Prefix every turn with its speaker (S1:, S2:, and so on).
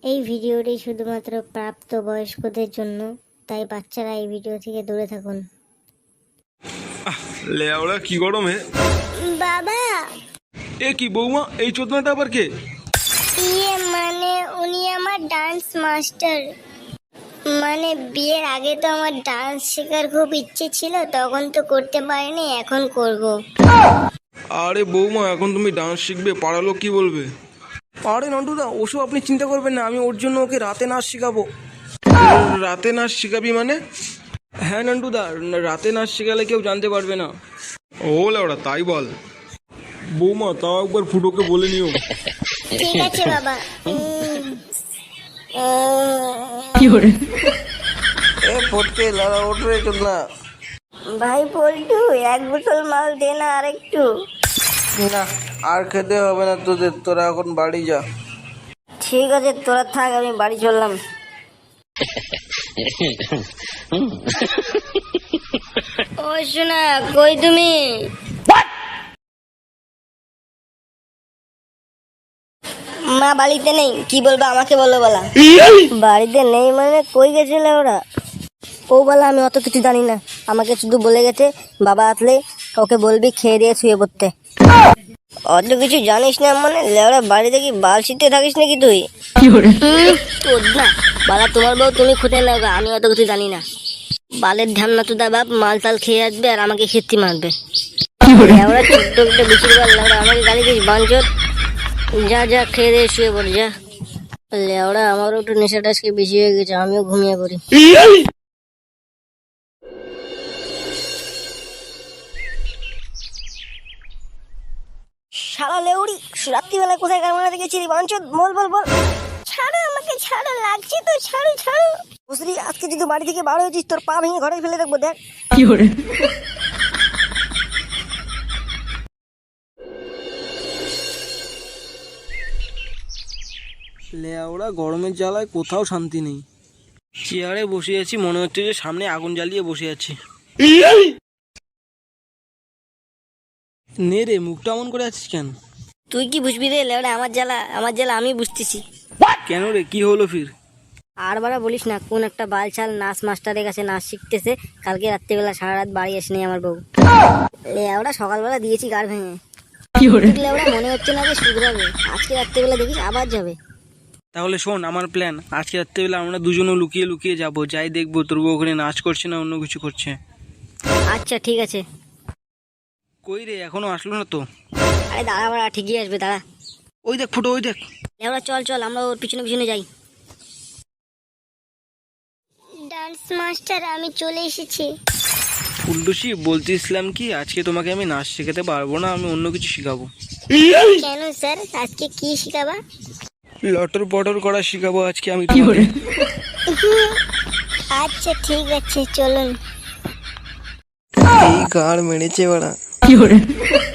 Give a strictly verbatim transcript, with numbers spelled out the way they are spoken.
S1: এই ভিডিওটি শুধুমাত্র প্রাপ্তবয়স্কদের জন্য, তাই বাচ্চারা এই ভিডিও থেকে দূরে থাকুন।
S2: লেওড়া কি গরমে।
S1: বাবা,
S2: এ কি বৌমা, এই চোদনাটা আবার কে?
S1: ইয়ে মানে উনি আমার ডান্স মাস্টার। মানে বিয়ের আগে তো আমার ডান্স শেখার খুব ইচ্ছে ছিল, তখন তো করতে পারিনি, এখন করব।
S2: আরে বৌমা, এখন তুমি ডান্স শিখবে, পাড়া লোক কি বলবে?
S3: আরে নন্টুদা, ওসব আপনি চিন্তা করবেন না, আমি ওর জন্য ওকে রাতে নাচ শেখাবো।
S2: রাতে নাচ শিখাবি মানে?
S3: হ্যাঁ নন্টুদা, রাতে নাচ শেখালে কেউ জানতে পারবে না।
S2: ও লেওড়া, তাই বল। বৌমা, তাও একবার ফুটোকে বলে নিও।
S1: ঠিক আছে বাবা।
S3: এ ফটকে লালা ওঠ রে চোদনা।
S1: ভাই পল্টু, এক বোতল মাল দে না আর একটু।
S3: না, আর খেতে হবে না তোদের, তোরা এখন বাড়ি যা।
S1: ঠিক আছে, তোরা থাক, আমি বাড়ি চললাম। ও শোনা, কই তুমি? মা বাড়িতে নেই। কি বলবো, আমাকে বলো বলা। বাড়িতে নেই মানে কই গেছিলে ওরা? ও বলা, আমি অত কিছু জানি না, আমাকে শুধু বলে গেছে বাবা আসলে ওকে বলবি খেয়ে দিয়ে শুয়ে পড়তে। অত কিছু জানিস না মানে? লেওরা, বাড়িতে কি বাল শীতে থাকিস নাকি তুই? তোর না বালা, তোমার বউ তুমি খুঁটে নাও গা, আমি অত কিছু জানি না। বালের ধ্যান না তো দা বাপ, মাল টাল খেয়ে আসবে আর আমাকে খেতে মারবে। লেওরা ছোট্ট একটা বিচির বাল, লেওরা আমাকে গালি দিস বাঞ্চত। যা যা খেয়ে দিয়ে শুয়ে পড় যা। লেওরা, আমারও একটু নেশাটা আজকে বেশি হয়ে গেছে, আমিও ঘুমিয়ে পড়ি। শালা লেউড়ি, রাত্রিবেলা কোথায় কারমানাতে গেছিলি বাঞ্চত? বল বল বল। ছাড়ো আমাকে, ছাড়ো, লাগছে তো, ছাড়ো ছাড়ো। বুঝলি, আজকে যদি বাড়ি থেকে বার হয়েছিস, তোর পা ভেঙে ঘরে ফেলে রাখবো, দেখ। কি করে?
S3: লেওড়া, গরমের জ্বালায় কোথাও শান্তি নেই। চেয়ারে বসে আছি, মনে হচ্ছে যে সামনে আগুন জ্বালিয়ে বসে আছি। নে রে, মুখটা অমন করে আছিস কেন?
S1: তুই কি বুঝবি রে লেওড়া, আমার জ্বালা, আমার জ্বালা আমি বুঝতেছি।
S3: কেন রে, কি হলো ফির?
S1: আর বারা বলিস না, কোন একটা বালছাল নাচ মাস্টারের কাছে নাচ শিখতেছে। কালকে রাত্রিবেলা সারা রাত বাড়ি আসেনি আমার বউ। লেওড়া, সকালবেলা দিয়েছি গাড় ভেঙে। লেওড়া, মনে হচ্ছে না যে শুধরাবে। আজকে রাত্রিবেলা দেখিস আবার যাবে।
S3: তাহলে শোন, আমার প্ল্যান, আজকে রাত্রেবেলা আমরা দুজনও লুকিয়ে লুকিয়ে যাব, যাই দেখবো তোর বউ ওখানে নাচ করছে না অন্য কিছু করছে।
S1: আচ্ছা ঠিক আছে।
S3: কই রে, এখনো আসলো না তো?
S1: আরে দাঁড়া বাড়া, ঠিকই আসবে, দাঁড়া।
S3: ওই দেখ ফুটো, ওই দেখ।
S1: লেওড়া, চল চল, আমরা ওর পিছনে পিছনে যাই। ডান্স মাস্টার, আমি চলে এসেছি।
S3: ফুলটুসি, বলতেছিলাম কি, আজকে তোমাকে আমি নাচ শেখাতে পারবো না, আমি অন্য কিছু শিখাবো।
S1: কেন স্যার, আজকে কি শিখাবা?
S3: লটর পটর করা শিখাবো আজকে আমি।
S1: আচ্ছা ঠিক আছে, চলুন।
S3: এই গাড় মেরেছে বাড়া।